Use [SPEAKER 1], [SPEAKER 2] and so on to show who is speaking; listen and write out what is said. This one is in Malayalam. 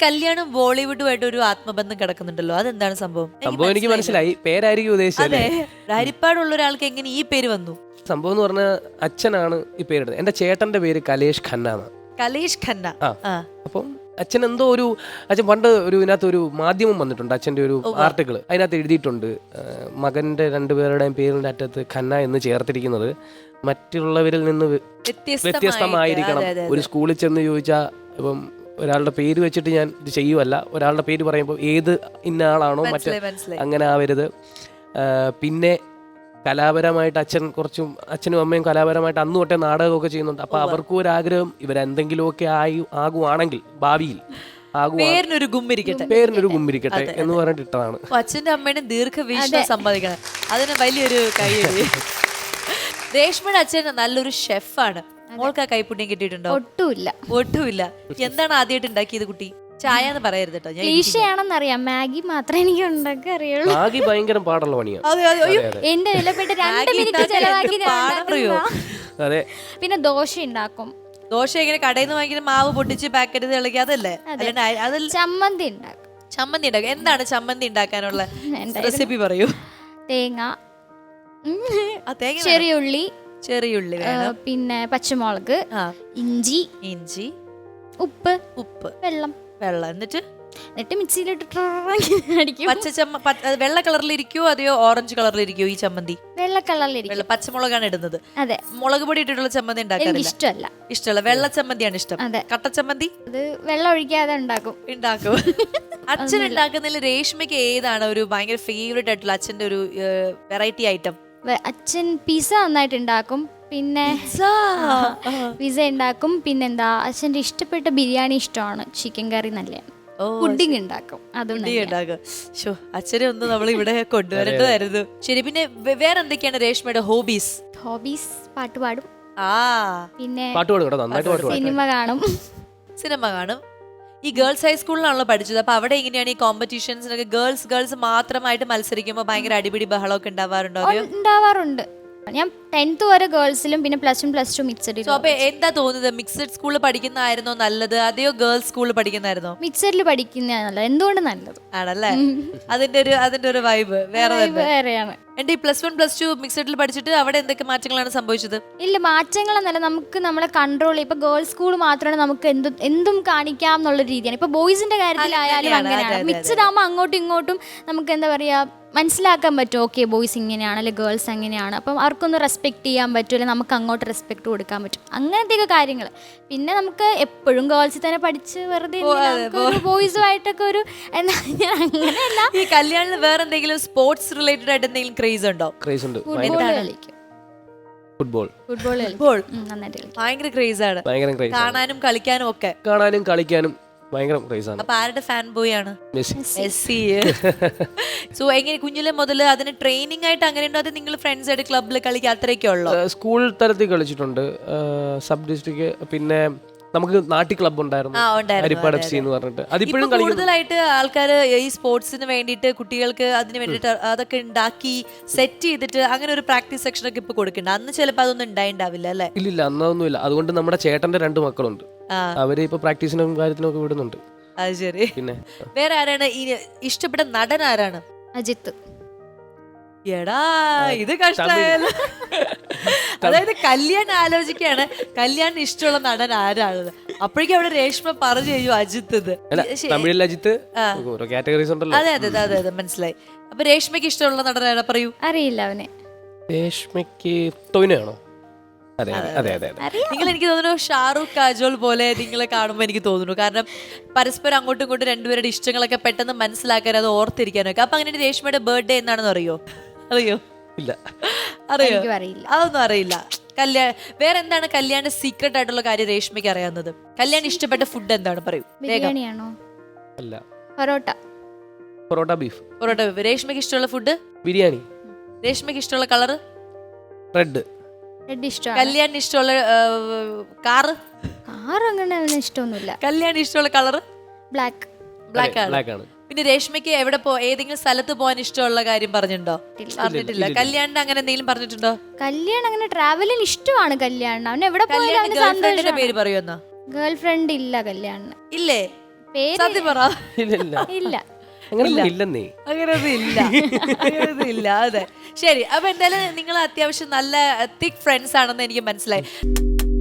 [SPEAKER 1] കല്യാണം ബോളിവുഡുമായിട്ട് ഒരു ആത്മബന്ധം കിടക്കുന്നുണ്ടല്ലോ, അതെന്താണ് സംഭവം?
[SPEAKER 2] സംഭവം എനിക്ക് മനസ്സിലായി, പേരായിരിക്കും ഉദ്ദേശിച്ചത്.
[SPEAKER 1] അതെ, ഹരിപ്പാടുള്ള ഒരാൾക്ക് എങ്ങനെ ഈ പേര് വന്നു?
[SPEAKER 2] സംഭവം എന്ന് പറഞ്ഞാൽ അച്ഛനാണ് ഈ പേരിടുന്നത്. എന്റെ ചേട്ടന്റെ പേര് കലേഷ് ഖന്ന എന്നാണ്.
[SPEAKER 1] കലേഷ് ഖന്ന.
[SPEAKER 2] അപ്പം അച്ഛൻ എന്തോ അച്ഛൻ പണ്ട് ഇതിനകത്ത് ഒരു മാധ്യമം വന്നിട്ടുണ്ട്, അച്ഛൻ്റെ ഒരു ആർട്ടിക്കിൾ. അതിനകത്ത് എഴുതിയിട്ടുണ്ട് മകന്റെ രണ്ടുപേരുടെയും പേരിന്റെ അറ്റത്ത് ഖന്ന എന്ന് ചേർത്തിരിക്കുന്നത് മറ്റുള്ളവരിൽ നിന്ന് വ്യത്യസ്തമായിരിക്കണം. ഒരു സ്കൂളിൽ ചെന്ന് ചോദിച്ചാൽ ഇപ്പം ഒരാളുടെ പേര് വെച്ചിട്ട് ഞാൻ ഇത് ചെയ്യുമല്ല, ഒരാളുടെ പേര് പറയുമ്പോൾ ഏത് ഇന്ന ആളാണോ അങ്ങനെ ആവരുത്. പിന്നെ കലാപരമായിട്ട് അച്ഛനും അമ്മയും കലാപരമായിട്ട് അന്ന് തൊട്ടേ നാടകമൊക്കെ ചെയ്യുന്നുണ്ട്. അപ്പൊ അവർക്കും ഒരു ആഗ്രഹം ഇവരെന്തെങ്കിലുമൊക്കെ ആകുവാണെങ്കിൽ ഭാവിയിൽ
[SPEAKER 1] പേരിനൊരു
[SPEAKER 2] ഗുമ്മിരിക്കട്ടെ എന്ന് പറഞ്ഞിട്ട് ഇട്ടതാണ്.
[SPEAKER 1] അച്ഛന്റെ അമ്മയുടെ ദീർഘവീക്ഷണം സമ്മതിക്കണം, അതിന് വലിയൊരു കൈയ്യടി. രേഷ്മയുടെ അച്ഛൻ നല്ലൊരു ഷെഫാണ്. മോൾക്ക് ആ കൈപ്പുണ്യം കിട്ടിയിട്ടുണ്ടോ? ഒട്ടുമില്ല. എന്താണ് ആദ്യമായിട്ട് ഉണ്ടാക്കിയത് കുട്ടി? ചായ എന്ന് പറയരുത് കേട്ടോ,
[SPEAKER 3] ക്ലീഷയാണെന്നറിയാം. മാഗി മാത്രമേ എനിക്ക് ഉണ്ടാക്കാൻ അറിയുള്ളൂ.
[SPEAKER 2] മാഗി ഭയങ്കര പാടുള്ള പണിയാണ്.
[SPEAKER 3] എന്റെ വിലപ്പെട്ട 2 മിനിറ്റ് ചെലവാക്കി.
[SPEAKER 2] അതെ.
[SPEAKER 3] പിന്നെ ദോശ ഉണ്ടാക്കും.
[SPEAKER 1] ദോശ എങ്ങനെ കടയിൽ നിന്ന് വാങ്ങിക്കുന്ന മാവ് പൊട്ടിച്ച് പാക്കറ്റ് തിളക്കി അതല്ലേ?
[SPEAKER 3] ചമ്മന്തി ഉണ്ടാക്കും.
[SPEAKER 1] എന്താണ് ചമ്മന്തി ഉണ്ടാക്കാനുള്ള റെസിപ്പി പറയൂ?
[SPEAKER 3] തേങ്ങ, ചെറിയുള്ളി, പിന്നെ പച്ചമുളക്, ഇഞ്ചി, ഉപ്പ്, വെള്ളം,
[SPEAKER 1] എന്നിട്ട്
[SPEAKER 3] മിക്സിയിലിട്ട് അടിക്കും.
[SPEAKER 1] വെള്ള കളറിലിരിക്കോ അതെയോ ഓറഞ്ച് കളറിലിരിക്കോ ഈ ചമ്മന്തി?
[SPEAKER 3] വെള്ള കളറിലിരിക്കും.
[SPEAKER 1] പച്ചമുളകാണ് ഇടുന്നത്.
[SPEAKER 3] അതെ.
[SPEAKER 1] മുളക് പൊടി ഇട്ടിട്ടുള്ള ചമ്മന്തി ഉണ്ടാക്കാറില്ല. ഇഷ്ടമല്ല. വെള്ള ചമ്മന്തിയാണ് ഇഷ്ടം. കട്ടച്ചമ്മന്തി
[SPEAKER 3] അത് വെള്ളം ഒഴിക്കാതെ ഉണ്ടാക്കും.
[SPEAKER 1] അച്ഛൻ ഉണ്ടാക്കുന്നതിൽ രേഷ്മയ്ക്ക് ഏതാണ് ഒരു ഭയങ്കര ഫേവറേറ്റ് ആയിട്ടുള്ള അച്ഛന്റെ ഒരു വെറൈറ്റി ഐറ്റം?
[SPEAKER 3] അച്ഛൻ പിസ്സ നന്നായിട്ട് ഉണ്ടാക്കും. പിന്നെ പിസ്സ ഉണ്ടാക്കും. പിന്നെന്താ, അച്ഛൻ്റെ ഇഷ്ടപ്പെട്ട ബിരിയാണി ഇഷ്ടമാണ്, ചിക്കൻ കറി നല്ലതാണ്. പുഡിംഗ് ഉണ്ടാക്കും.
[SPEAKER 1] അച്ഛനെ ഒന്ന് നമ്മൾ ഇവിടെ കൊണ്ടുവരേണ്ടതായിരുന്നു. ശരി, പിന്നെ വേറെ എന്തൊക്കെയാണ് രേഷ്മയുടെ ഹോബീസ്?
[SPEAKER 3] പാട്ട് പാടും. പിന്നെ
[SPEAKER 1] സിനിമ കാണും. ഈ ഗേൾസ് ഹൈസ്കൂളിലാണല്ലോ പഠിച്ചത്. അപ്പൊ അവിടെ എങ്ങനെയാണ് ഈ കോമ്പറ്റീഷൻസിനൊക്കെ ഗേൾസ് മാത്രമായിട്ട് മത്സരിക്കുമ്പോൾ ഭയങ്കര അടിപിടി ബഹളമൊക്കെ ഉണ്ടാവാറുണ്ടോ?
[SPEAKER 3] ഉണ്ടാവാറുണ്ട്. ഞാൻ 10th വരെ ഗേൾസിലും പിന്നെ +1 മിക്സഡ്.
[SPEAKER 1] അപ്പൊ എന്താ തോന്നുന്നത്, മിക്സഡ് സ്കൂളിൽ പഠിക്കുന്നതായിരുന്നോ നല്ലത് അതെയോ ഗേൾസ് സ്കൂളിൽ പഠിക്കുന്നതായിരുന്നോ?
[SPEAKER 3] മിക്സഡിൽ പഠിക്കുന്നതാണ് നല്ലത്. എന്തുകൊണ്ട് നല്ലത്
[SPEAKER 1] ആണല്ലേ? അതിന്റെ ഒരു വൈബ്
[SPEAKER 3] വേറെയാണ്.
[SPEAKER 1] എന്റെ ഈ +1 +2 മിക്സഡിൽ പഠിച്ചിട്ട് അവിടെ എന്തൊക്കെ മാറ്റങ്ങളാണ് സംഭവിച്ചത്?
[SPEAKER 3] ഇല്ല, മാറ്റങ്ങളെന്നല്ല, നമുക്ക് നമ്മളെ കൺട്രോൾ. ഇപ്പൊ ഗേൾസ് സ്കൂൾ മാത്രമാണ് നമുക്ക് എന്തും കാണിക്കാം എന്നുള്ള രീതിയാണ്. ഇപ്പൊ ബോയ്സിന്റെ കാര്യത്തിലായാലും അങ്ങനെയാണ്. മിക്സഡ് ആകുമ്പോൾ അങ്ങോട്ടും ഇങ്ങോട്ടും നമുക്ക് എന്താ പറയാ മനസ്സിലാക്കാൻ പറ്റും. ഓക്കെ, ബോയ്സ് ഇങ്ങനെയാണ് അല്ലെ ഗേൾസ് അങ്ങനെയാണ്. അപ്പം അവർക്കൊന്ന് റെസ്പെക്ട് ചെയ്യാൻ പറ്റും, അല്ലെങ്കിൽ നമുക്ക് അങ്ങോട്ട് റെസ്പെക്ട് കൊടുക്കാൻ പറ്റും. അങ്ങനത്തെയൊക്കെ കാര്യങ്ങൾ. പിന്നെ നമുക്ക് എപ്പോഴും ഗേൾസിൽ തന്നെ പഠിച്ച് വെറുതെ ബോയ്സുമായിട്ടൊക്കെ ഒരു അങ്ങനെയല്ല.
[SPEAKER 1] ഈ കല്യാണിൽ വേറെ എന്തെങ്കിലും സ്പോർട്സ് റിലേറ്റഡ് ആയിട്ട് എന്തെങ്കിലും ക്രേസ് ഉണ്ടോ?
[SPEAKER 2] ക്രേസ് ഉണ്ട്. ഫുട്ബോൾ
[SPEAKER 1] ഭയങ്കര ക്രേസ് ആണ്. കാണാനും കളിക്കാനും
[SPEAKER 2] ഭയങ്കര ക്രേസ് ആണ്.
[SPEAKER 1] അപ്പൊ ആരുടെ ഫാൻ ബോയ് ആണ്? മെസ്സി. സോ എങ്ങനെ കുഞ്ഞിലെ മുതൽ അതിന് ട്രെയിനിങ് ആയിട്ട് അങ്ങനെയുണ്ടോ, അത് നിങ്ങൾ ഫ്രണ്ട്സ് ആയിട്ട് ക്ലബിൽ കളിക്കുക അത്രയൊക്കെ ഉള്ളോ?
[SPEAKER 2] സ്കൂൾ തലത്തിൽ കളിച്ചിട്ടുണ്ട്, സബ് ഡിസ്ട്രിക്ട്, പിന്നെ നമുക്ക് നാട്ടി ക്ലബ് ഉണ്ടായിരുന്നു, ഹരിപ്പാട് FC എന്ന് പറഞ്ഞിട്ട്. അതിപ്പോഴും
[SPEAKER 1] കൂടുതലായിട്ട് ആൾക്കാർ ഈ സ്പോർട്സിന് വേണ്ടിയിട്ട് കുട്ടികൾക്ക് അതിന് വേണ്ടിയിട്ട് അതൊക്കെ ഉണ്ടാക്കി സെറ്റ് ചെയ്തിട്ട് അങ്ങനെ ഒരു പ്രാക്ടീസ് സെക്ഷൻ ഒക്കെ ഇപ്പൊ കൊടുക്കുന്നുണ്ട്. അന്ന് ചിലപ്പോൾ അതൊന്നും ഉണ്ടായിണ്ടാവില്ല അല്ലേ?
[SPEAKER 2] ഇല്ല, അന്നൊന്നുമില്ല. അതുകൊണ്ട് നമ്മുടെ ചേട്ടന്റെ 2 മക്കളുണ്ട്, അവര് ഇപ്പൊ പ്രാക്ടീസിനും കാര്യത്തിനും ഒക്കെ വിടുന്നുണ്ട്.
[SPEAKER 1] അത് ശരി. പിന്നെ വേറെ ആരാണ് ഇഷ്ടപ്പെട്ട നടൻ? ആരാണ്?
[SPEAKER 3] അജിത്ത്.
[SPEAKER 1] എടാ, ഇത് കഷ്ടമായല്ലോ. അതായത് കല്യാണം ആലോചിക്കുകയാണ്, കല്യാണിന് ഇഷ്ടമുള്ള നടൻ ആരാണ്? അപ്പോഴേക്കും അവിടെ രേഷ്മ പറഞ്ഞു കഴിഞ്ഞു അജിത്ത്.
[SPEAKER 2] തമിഴിൽ അജിത്ത്, ഓരോ കാറ്റഗറീസ് ഉണ്ടല്ലോ.
[SPEAKER 1] അതെ, മനസ്സിലായി. അപ്പൊ രേഷ്മയ്ക്ക് ഇഷ്ടമുള്ള നടൻ ആരാ? പറയൂ.
[SPEAKER 3] അറിയില്ല അവനെ.
[SPEAKER 2] രേഷ്മയ്ക്ക് ടൊവിനോയാണോ? അതെ.
[SPEAKER 1] നിങ്ങൾ എനിക്ക് തോന്നുന്നു ഷാറൂഖ് കാജോൾ പോലെ നിങ്ങളെ കാണുമ്പോൾ എനിക്ക് തോന്നുന്നു. കാരണം പരസ്പരം അങ്ങോട്ടും ഇങ്ങോട്ടും രണ്ടുപേരുടെ ഇഷ്ടങ്ങളൊക്കെ പെട്ടെന്ന് മനസ്സിലാക്കാൻ, അത് ഓർത്തിരിക്കാനൊക്കെ. അപ്പൊ അങ്ങനെ രേഷ്മയുടെ ബർത്ത്ഡേ എന്നാണെന്ന് അറിയോ?
[SPEAKER 2] ഇല്ല.
[SPEAKER 1] അതൊന്നും അറിയില്ല. വേറെ എന്താണ് കല്യാണ സീക്രട്ട് ആയിട്ടുള്ള കാര്യം രേഷ്മയ്ക്ക് അറിയാവുന്നത്? കല്യാണം ഇഷ്ടപ്പെട്ട ഫുഡ് എന്താണ്? പറയൂ.
[SPEAKER 2] അല്ല,
[SPEAKER 3] പൊറോട്ട
[SPEAKER 2] ബീഫ്.
[SPEAKER 1] രേഷ്മയ്ക്ക് ഇഷ്ടമുള്ള ഫുഡ്
[SPEAKER 2] ബിരിയാണി.
[SPEAKER 1] രേഷ്മയ്ക്ക് ഇഷ്ടമുള്ള കളർ
[SPEAKER 2] റെഡ്.
[SPEAKER 1] കല്യാണിന് ഇഷ്ടമുള്ള കാറ്?
[SPEAKER 3] അങ്ങനെ ഇഷ്ടമൊന്നുമില്ല.
[SPEAKER 1] കല്യാണിന് ഇഷ്ടമുള്ള കളർ ബ്ലാക്ക്
[SPEAKER 2] ആണ്.
[SPEAKER 1] പിന്നെ രേഷ്മയ്ക്ക് എവിടെ ഏതെങ്കിലും സ്ഥലത്ത് പോകാൻ ഇഷ്ടമുള്ള കാര്യം പറഞ്ഞിട്ടുണ്ടോ? പറഞ്ഞിട്ടില്ല. കല്യാണിന് അങ്ങനെ എന്തെങ്കിലും പറഞ്ഞിട്ടുണ്ടോ?
[SPEAKER 3] കല്യാണം അങ്ങനെ ട്രാവലിന് ഇഷ്ടമാണ്. കല്യാണം അവൻ എവിടെ പോയാലും
[SPEAKER 1] പേര് പറയുമെന്നാ?
[SPEAKER 3] ഗേൾ ഫ്രണ്ട് ഇല്ല കല്യാണിന്.
[SPEAKER 1] ഇല്ലേ? സത്യം പറ.
[SPEAKER 2] ഇല്ല
[SPEAKER 3] ഇല്ല.
[SPEAKER 2] അങ്ങനെ ഇല്ലെന്നേ.
[SPEAKER 1] അങ്ങനെയൊന്നും ഇല്ല, അങ്ങനെയൊന്നും ഇല്ല. അതെ, ശരി. അപ്പൊ എന്തായാലും നിങ്ങൾ അത്യാവശ്യം നല്ല തിക് ഫ്രണ്ട്സ് ആണെന്ന് എനിക്ക് മനസ്സിലായി.